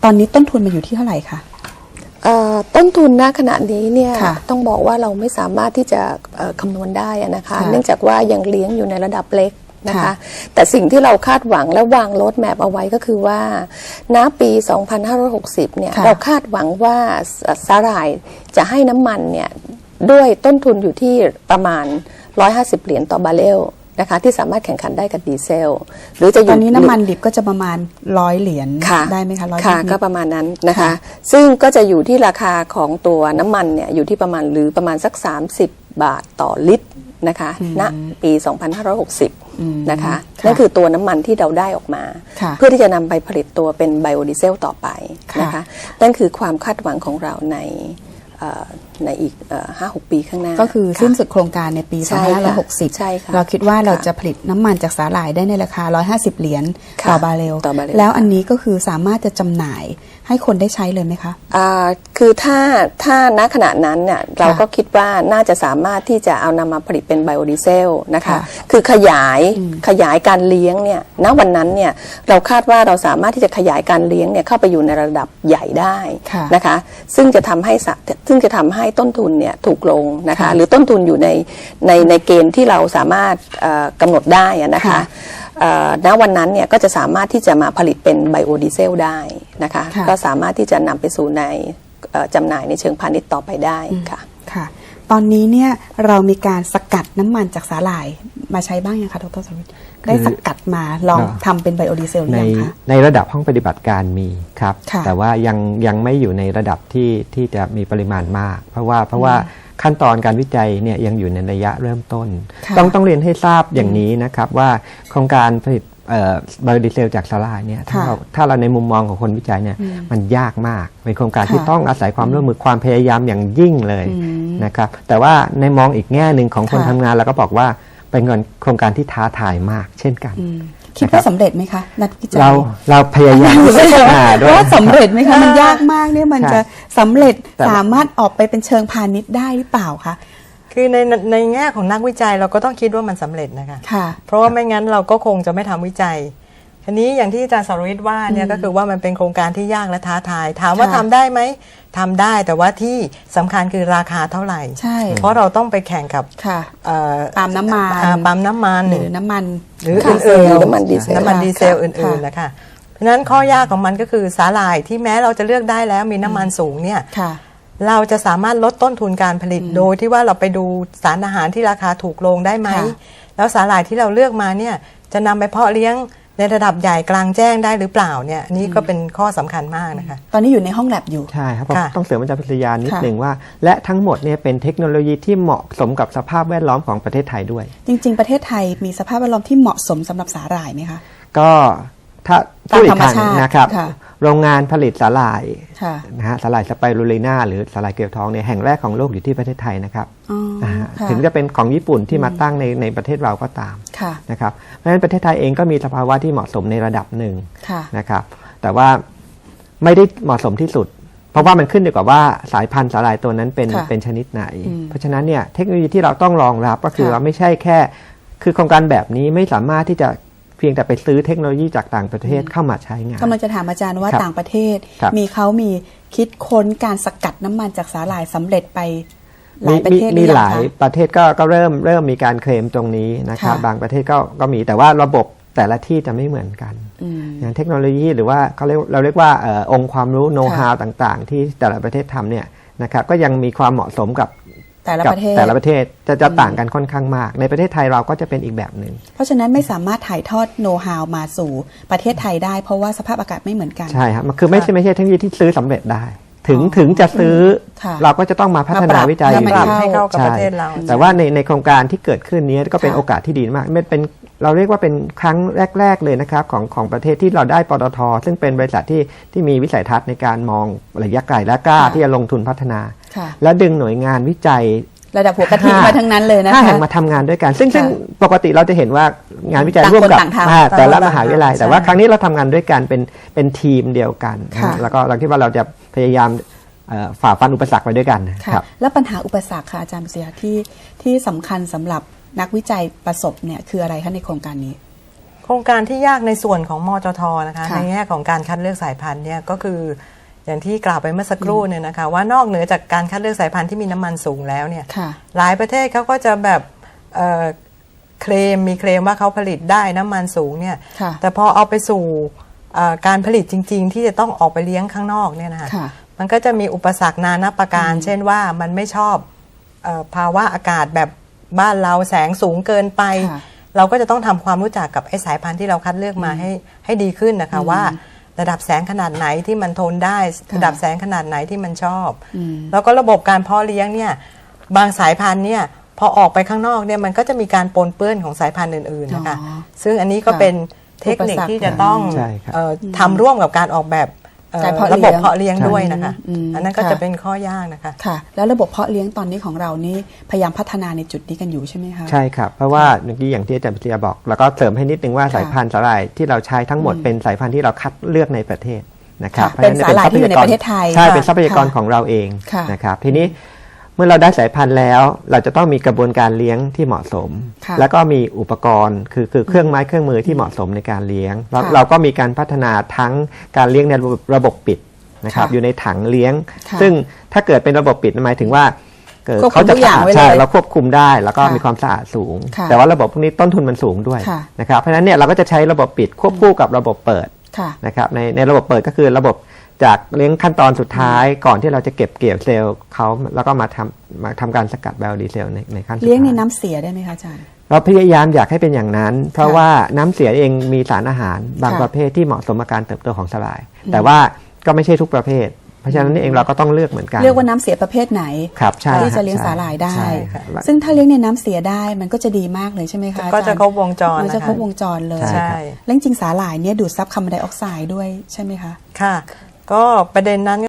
ตอนนี้ต้นทุนมันอยู่ที่เท่าไหร่คะต้นทุนณขณะนี้เนี่ยต้องบอกว่าเราไม่สามารถที่จะคำนวณได้นะคะเนื่องจากว่ายังเลี้ยงอยู่ในระดับเล็กนะคะแต่สิ่งที่เราคาดหวังและวางโรดแมพเอาไว้ก็คือว่าณปี 2560 เนี่ยเราคาดหวังว่าสาหร่ายจะให้น้ำมันเนี่ยด้วยต้นทุนอยู่ที่ประมาณ150 เหรียญต่อบาร์เรลนะคะที่สามารถแข่งขันได้กับดีเซลหรือจะอยู่ตอนนี้น้ำมันดิบก็จะประมาณ100 เหรียญได้ไหมคะค่ะก็ประมาณนั้นนะคะซึ่งก็จะอยู่ที่ราคาของตัวน้ำมันเนี่ยอยู่ที่ประมาณสัก30 บาทต่อลิตรนะคะณปี 2560 นะคะนั่นคือตัวน้ำมันที่เราได้ออกมาเพื่อที่จะนำไปผลิตตัวเป็นไบโอดีเซลต่อไปนะคะนั่นคือความคาดหวังของเราในอีก 5-6 ปีข้างหน้าก็คือสิ้นสุดโครงการในปี 2560 เราคิดว่าเราจะผลิตน้ำมันจากสาหร่ายได้ในราคา150 เหรียญต่อบาร์เรลแล้วอันนี้ก็คือสามารถจะจำหน่ายให้คนได้ใช้เลยไหมคะคือถ้าณขณะนั้นเนี่ยเราก็คิดว่าน่าจะสามารถที่จะเอานำมาผลิตเป็นไบโอดีเซลนะคะคือขยายการเลี้ยงเนี่ยณวันนั้นเนี่ยเราคาดว่าเราสามารถที่จะขยายการเลี้ยงเนี่ยเข้าไปอยู่ในระดับใหญ่ได้นะคะซึ่งจะทำให้ต้นทุนเนี่ยถูกลงนะคะหรือต้นทุนอยู่ในเกณฑ์ที่เราสามารถกำหนดได้นะคะณวันนั้นเนี่ยก็จะสามารถที่จะมาผลิตเป็นไบโอดีเซลได้นะคะก็สามารถที่จะนำไปสู่ในจำหน่ายในเชิงพาณิชย์ต่อไปได้ค่ะค่ะตอนนี้เนี่ยเรามีการสกัดน้ำมันจากสาหร่ายมาใช้บ้างยังคะดร.สวิทย์ได้สกัดมาลองทำเป็นไบโอดีเซลหรือยังคะในระดับห้องปฏิบัติการมีครับแต่ว่ายังไม่อยู่ในระดับที่จะมีปริมาณมากเพราะว่าขั้นตอนการวิจัยเนี่ยยังอยู่ในระยะเริ่มต้นต้องเรียนให้ทราบอย่างนี้นะครับว่าโครงการผลิตไบโอดีเซลจากสาหร่ายเนี่ยถ้าเราในมุมมองของคนวิจัยเนี่ยมันยากมากเป็นโครงการที่ต้องอาศัยความร่วมมือความพยายามอย่างยิ่งเลยนะครับแต่ว่าในมองอีกแง่หนึ่งของคนทำงานเราก็บอกว่าเป็นโครงการที่ท้าทายมากเช่นกันคิดว่าสำเร็จไหมคะนักวิจัยเราพยายามว่าสำเร็จไหมคะมันยากมากเนี่ยมันจะสำเร็จสามารถออกไปเป็นเชิงพาณิชย์ได้หรือเปล่าคะคือในแง่ของนักวิจัยเราก็ต้องคิดว่ามันสำเร็จนะคะเพราะว่าไม่งั้นเราก็คงจะไม่ทำวิจัยทีนี้อย่างที่อาจารย์สรวิทย์ว่าเนี่ยก็คือว่ามันเป็นโครงการที่ยากและท้าทายถามว่าทำได้ไหมทำได้แต่ว่าที่สำคัญคือราคาเท่าไหร่เพราะเราต้องไปแข่งกับปั๊มน้ำมันหรือน้ำมันหรืออื่นๆน้ำมันดีเซลอื่นๆนะคะเพราะฉะนั้นข้อยากของมันก็คือสาหร่ายที่แม้เราจะเลือกได้แล้วมีน้ำมันสูงเนี่ยเราจะสามารถลดต้นทุนการผลิตโดยที่ว่าเราไปดูสารอาหารที่ราคาถูกลงได้ไหมแล้วสาหร่ายที่เราเลือกมาเนี่ยจะนำไปเพาะเลี้ยงในระดับใหญ่กลางแจ้งได้หรือเปล่าเนี่ยนี่ก็เป็นข้อสำคัญมากนะคะตอนนี้อยู่ในห้องแลบอยู่ใช่ครับต้องเสริมอาจารย์พิทยานิดหนึ่งว่าและทั้งหมดเนี่ยเป็นเทคโนโลยีที่เหมาะสมกับสภาพแวดล้อมของประเทศไทยด้วยจริงๆประเทศไทยมีสภาพแวดล้อมที่เหมาะสมสำหรับสาหร่ายไหมคะก็ถ้าพูดอีกครั้งนะครับโรงงานผลิตสาหร่ายนะฮะสาหร่ายสไปรูลิน่าหรือสาหร่ายเกลียวทองเนี่ยแห่งแรกของโลกอยู่ที่ประเทศไทยนะครับถึงจะเป็นของญี่ปุ่นที่มาตั้งในประเทศเราก็ตามนะครับเพราะฉะนั้นประเทศไทยเองก็มีสภาวะที่เหมาะสมในระดับหนึ่งนะครับแต่ว่าไม่ได้เหมาะสมที่สุดเพราะว่ามันขึ้นอยู่กับว่าสายพันธุ์สาหร่ายตัวนั้นเป็นชนิดไหนเพราะฉะนั้นเนี่ยเทคโนโลยีที่เราต้องรองรับก็คือว่าไม่ใช่แค่คือโครงการแบบนี้ไม่สามารถที่จะเพียงแต่ไปซื้อเทคโนโลยีจากต่างประเทศเข้ามาใช้งานกำลังจะถามอาจารย์ว่าต่างประเทศมีคิดค้นการสกัดน้ำมันจากสาหร่ายสำเร็จไปหลายประเทศมีหลายประเทศก็เริ่มมีการเคลมตรงนี้นะครับบางประเทศก็มีแต่ว่าระบบแต่ละที่จะไม่เหมือนกันอย่างเทคโนโลยีหรือว่าเราเรียกว่าองค์ความรู้โน้ตฮาวต่างๆที่แต่ละประเทศทำเนี่ยนะครับก็ยังมีความเหมาะสมกับแต่ละประเทศจะต่างกันค่อนข้างมากในประเทศไทยเราก็จะเป็นอีกแบบหนึ่งเพราะฉะนั้นไม่สามารถถ่ายทอดโน้ตฮาวมาสู่ประเทศไทยได้เพราะว่าสภาพอากาศไม่เหมือนกันใช่ครับคือไม่ใช่เทคโนโลยีที่ซื้อสำเร็จได้ถึงจะซื้อเราก็จะต้องมาพัฒนาวิจัยให้เข้ากับประเทศเราแต่ว่าในโครงการที่เกิดขึ้นนี้ก็เป็นโอกาสที่ดีมากเป็นเราเรียกว่าเป็นครั้งแรกๆเลยนะครับของประเทศที่เราได้ปตท.ซึ่งเป็นบริษัทที่มีวิสัยทัศน์ในการมองระยะไกลและกล้าที่จะลงทุนพัฒนาและดึงหน่วยงานวิจัยระดับหัวกะทิมาทั้งนั้นเลยนะคะ 5 แห่งมาทำงานด้วยกันซึ่งปกติเราจะเห็นว่างานวิจัยร่วมกับแต่ละมหาวิทยาลัยแต่ว่าครั้งนี้เราทำงานด้วยกันเป็นทีมเดียวกันแล้วก็เราคิดว่าเราจะพยายามฝ่าฟันอุปสรรคไปด้วยกันครับแล้วปัญหาอุปสรรคค่ะอาจารย์ปิยะที่สำคัญสำหรับนักวิจัยประสบเนี่ยคืออะไรคะในโครงการนี้โครงการที่ยากในส่วนของมจท.นะคะในแง่ของการคัดเลือกสายพันธุ์เนี่ยก็คืออย่างที่กล่าวไปเมื่อสักครู่เนี่ยนะคะว่านอกเหนือจากการคัดเลือกสายพันธุ์ที่มีน้ำมันสูงแล้วเนี่ยหลายประเทศเขาก็จะแบบมีเคลมว่าเขาผลิตได้น้ำมันสูงเนี่ยแต่พอเอาไปสู่การผลิตจริงๆที่จะต้องออกไปเลี้ยงข้างนอกเนี่ยนะคะมันก็จะมีอุปสรรคนานาประการเช่นว่ามันไม่ชอบภาวะอากาศแบบบ้านเราแสงสูงเกินไปเราก็จะต้องทำความรู้จักกับไอ้สายพันธุ์ที่เราคัดเลือกมาให้ดีขึ้นนะคะว่าระดับแสงขนาดไหนที่มันทนได้ระดับแสงขนาดไหนที่มันชอบแล้วก็ระบบการเพาะเลี้ยงเนี่ยบางสายพันธุ์เนี่ยพอออกไปข้างนอกเนี่ยมันก็จะมีการปนเปื้อนของสายพันธุ์อื่นๆนะคะซึ่งอันนี้ก็เป็นเทคนิคที่จะต้องทำร่วมกับการออกแบบระบบเพาะเลี้ยงด้วยนะคะอันนั้นก็จะเป็นข้อยากนะคะค่ะแล้วระบบเพาะเลี้ยงตอนนี้ของเรานี่พยายามพัฒนาในจุดนี้กันอยู่ใช่ไหมคะใช่ครับเพราะว่าเมื่อกี้อย่างที่อาจารย์ปริยาบอกแล้วก็เสริมให้นิดนึงว่าสายพันธุ์สาหร่ายที่เราใช้ทั้งหมดเป็นสายพันธุ์ที่เราคัดเลือกในประเทศนะครับเป็นสาหร่ายที่อยู่ในประเทศไทยใช่เป็นทรัพยากรของเราเองนะครับทีนี้เมื่อเราได้สายพันธุ์แล้วเราจะต้องมีกระบวนการเลี้ยงที่เหมาะสมแล้วก็มีอุปกรณ์คือเครื่องไม้เครื่องมือที่เหมาะสมในการเลี้ยงเราก็มีการพัฒนาทั้งการเลี้ยงในระบบปิดนะครับอยู่ในถังเลี้ยงซึ่งถ้าเกิดเป็นระบบปิดหมายถึงว่าเขาจะใช่เราควบคุมได้แล้วก็มีความสะอาดสูงแต่ว่าระบบพวกนี้ต้นทุนมันสูงด้วยนะครับเพราะฉะนั้นเนี่ยเราก็จะใช้ระบบปิดควบคู่กับระบบเปิดนะครับในระบบเปิดก็คือระบบจากเลี้ยงขั้นตอนสุดท้ายก่อนที่เราจะเก็บเกี่ยวเซลล์เขาแล้วก็มาทำการสกัดไบโอดีเซลในขั้นสุดท้ายเลี้ยงในน้ำเสียได้ไหมคะอาจารย์เราพยายามอยากให้เป็นอย่างนั้นเพราะว่าน้ำเสียเองมีสารอาหารบางประเภทที่เหมาะสมกับการเติบโตของสาหร่ายแต่ว่าก็ไม่ใช่ทุกประเภทเพราะฉะนั้นเองเราก็ต้องเลือกเหมือนกันเลือกว่าน้ำเสียประเภทไหนที่จะเลี้ยงสาหร่ายได้ซึ่งถ้าเลี้ยงในน้ำเสียได้มันก็จะดีมากเลยใช่ไหมคะก็จะครบวงจรมันจะครบวงจรเลยใช่แล้วจริงสาหร่ายเนี่ยดูดซับคาร์บอนไดออกไซด์ด้วยใช่ไหมคะค่ะก็ประเด็นนั้น